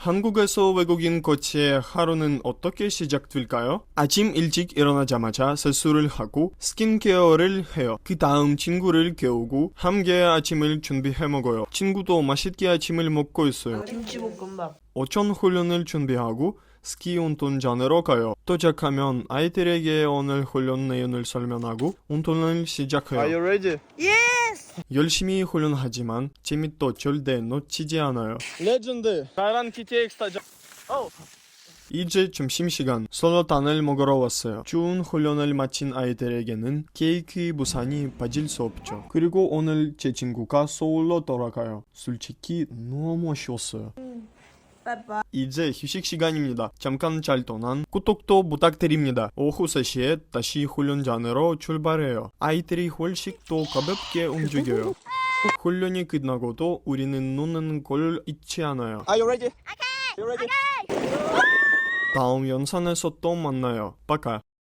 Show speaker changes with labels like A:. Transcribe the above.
A: 한국에서 외국인 코치의 하루는 어떻게 시작될까요? 아침 일찍 일어나자마자 세수를 하고 스킨케어를 해요. 그 다음 친구를 깨우고 함께 아침을 준비해 먹어요. 친구도 맛있게 아침을 먹고 있어요.
B: 김치볶음밥.
A: 오천 훈련을 준비하고 스키 운동장으로 가요. 도착하면 아이들에게 오늘 훈련 내용을 설명하고 운동을 시작해요.
C: Are you ready?
A: 열심히 훈련하지만 재미도 절대 놓치지 않아요.
C: 레전드. Kayran KTX 타자.
A: 이제 점심시간 솔로탄을 먹으러 왔어요. 좋은 훈련을 마친 아이들에게는 케이크 부산이 빠질 수 없죠. 그리고 오늘 제 친구가 서울로 돌아가요. 솔직히 너무 아쉬웠어요. 이제 휴식 시간입니다. 잠깐 잘 떠난 구독도 부탁드립니다. 오후 3시에 다시 훈련장으로 출발해요. 아이들이 훨씬 더 가볍게 움직여요. 훈련이 끝나고도 우리는 노는 걸 잊지 않아요.
C: Are you ready? Okay. You ready?
A: 다음 영상에서 또 만나요. 빠까.